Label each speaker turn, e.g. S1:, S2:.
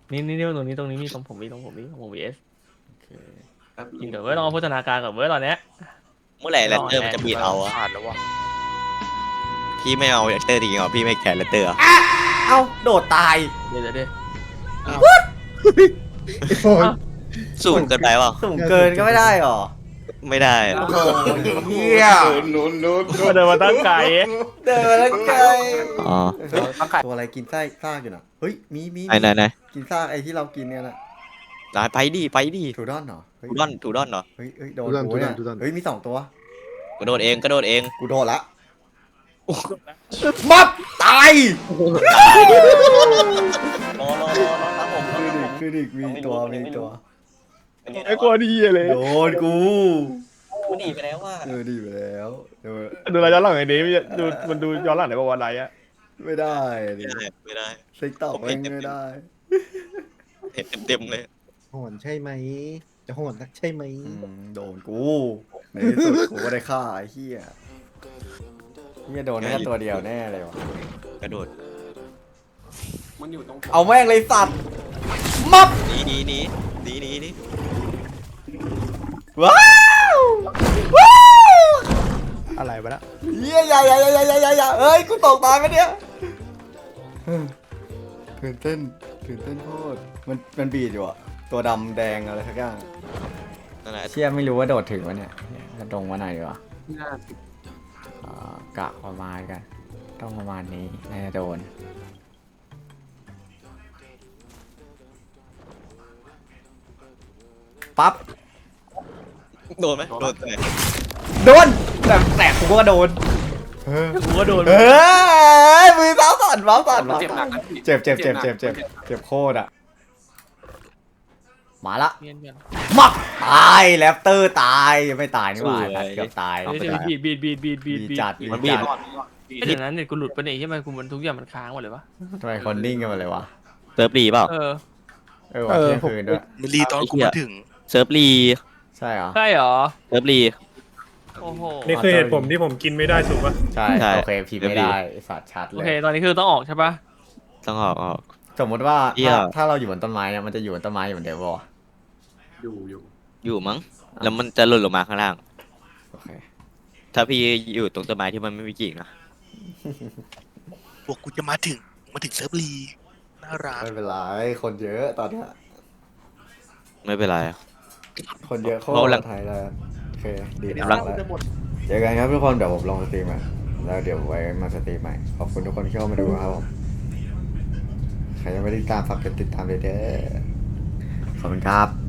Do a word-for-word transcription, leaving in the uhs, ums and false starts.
S1: นี่นี่นี่ตรงนี้ตรงนี้มีตรงผมมีตรงผมมีตรงผมวีเอส
S2: โอเค
S1: กินเดี๋ยวเว้ยลองโฆษณาการกับเว้ยตอนเนี้ย
S3: เมื่อไหร่แรตเตอร์มันจะบีดเอาอะ
S4: ผ่านแล้ววะ
S3: พี่ไม่เอาแรตเตอร์จริงเหรอพี่ไม่แคร์แรตเตอร์เหรอ
S2: เอ้าโดดตาย
S1: เดี๋ยวเดี๋ยวเดี๋ยว
S5: โฟน
S3: สูงเกินไปเปล่า
S2: สูงเกินก็ไม่ได้หรอ
S3: ไม่ได้อะ
S2: โอ้โหเฮีย
S5: ลุ้นลุ้น
S1: มาเดินมาตั้งไกล
S2: เดินแล้วไกล
S3: อ๋อ
S2: ตัวอะไรกินไส้ซากอยู่น่ะเฮ้ยมีมี
S3: ไหนไหนไหน
S2: กินซากไอ้ที่เรากินเนี่ยนะ
S3: ร้านไปดิไปดิ
S2: ถูดอนเหรอเฮ้ย
S3: ถูดอนถูดอนเหรอ
S2: เฮ้ยเฮ้ยโดนกูเนี่ยเฮ้ยมีสองตัว
S3: กระโดดเองกระโดดเอง
S2: กูโดนละมับตาย
S3: รอรอรอรอครับผม
S2: คือดิคือดิมีตัวมีตัว
S1: ไอ้กลัวดีเลย
S2: โดนกู
S3: กูหนีไปแล้วว่า
S2: เออดีไปแล้วเออ
S1: ดูอะไรย้อนหลังไอ้นี้ดูมันดูย้อนหลังในประวัติอะไรอะ
S2: ไม่ได้ดิ
S3: ไม่ได้ไม่ได้
S2: ติ๊กต็อกเองไม่ได้
S3: เห็นเต็มๆเลย
S5: โหนใช่ไหม จะโหนนักใช่ไหม
S2: อืมโดนกูในที่สุดกูก็ได้ฆ่าไอ้เหี้ยเหี้ยโดนแค่ตัวเดียวแน่เลยวะ
S3: กระโดด
S2: เอาแม่งเลยสัตว์มับ
S3: หนีหนีหนีหนีหนีหนี
S2: ว้าวว้าว
S1: อะไรวะนะ
S2: เหี้ยอย่าอย่าอย่าอย่าอย่าอย่าเอ้ยกูตกตายไปเนี่ยตื่นเต้นตื่นเต้นโคตรมันมันบีดอยู่อะตัวดำแดงอะไรทักอย่าง
S3: นั่นแหละ
S2: เชี่ยไม่รู้ว่าโดดถึงวะเนี่ยกระดงวะไหนวะอ่ากะประมาณกัน ต้องประมาณนี้น่าจะโดน ปั๊บ
S3: โดนไหมโดนไหน
S2: โดนแต่แต่กูก็โดน
S1: กูก็โดน
S2: เฮ้ยมือเท้าสั่นเท้าสั่นเท้าสั่นเจ็บเจ็บเจ็บเจ็บเจ็บเจ็บโคตรอ่ะ มาละ
S1: เนียนกัน
S2: มักตายแรปเตอร์ตายยังไม่ตายนี่หว่าเกือบตาย
S1: เดี๋ยวบีดบีดบีดบีดบีด
S2: บี
S1: บีด
S2: จัด
S3: มันบีบ
S1: เดี๋ยวนั้นเนี่ยกูหลุดไปไหนใช่ไหมกูมันทุกอย่างมันค้างหมดเลยวะ
S2: ทำไมคนนิ่งกันมาเลยวะ
S3: เซิร์ฟรีเปล่า
S1: เออ
S2: เออวันเที่ยงคืนด้วย
S4: มันรีตอนกูมาถึง
S3: เซิร์ฟรี
S2: ใช่เหรอ
S1: ใช่เหรอ
S3: เซิร์ฟรี
S1: โอ้โห
S6: นี่คือเหตุผมที่ผมกินไม่ได้ถูกปะ
S2: ใช่
S3: ใช่
S2: โอเคพิมพ์ไม่ได้สัตว์ชัด
S1: โอ
S2: เล
S1: เค
S2: ย
S1: ตอนนี้คือต้องออกใช่ปะ
S3: ต้องออกออก
S2: สมมติว่า
S3: เหี้ย
S2: ถ้าถ้าเราอยู่บนต้นไม้เนี่ยมันจะอยู่บนต้นไม้อยู่เหมือนเดิมป่ะวะ
S3: อยู่มั้งแล้วมันจะหล่นลงมาข้างล่าง
S2: โอเค
S3: ถ้าพี่อยู่ตรงต้นไม้ที่มันไม่มีกิ่งนะ
S4: พวกกูจะมาถึง มาถึงเซิร์ฟรีน่ารัก
S2: ไม่เป็นไรคนเยอะตอนเนี้ย
S3: ไม่เป็นไร
S2: คนเยอะโค
S3: เพราะ
S2: ต
S3: หลั
S2: รง ไทยเลยโอเคดี
S3: กำลั
S2: แล้
S3: ง
S2: วเจอกันครับทุกคนเดี๋ยวผมลงสตรีมอ่ะแล้วเดี๋ยวไว้มาสตรีมใหม่ขอบคุณทุกคนที่เข้ามาดูครับผมใครยังไม่ได้ติดตามฝากกดติดตามเลยเด้อขอบคุณครับ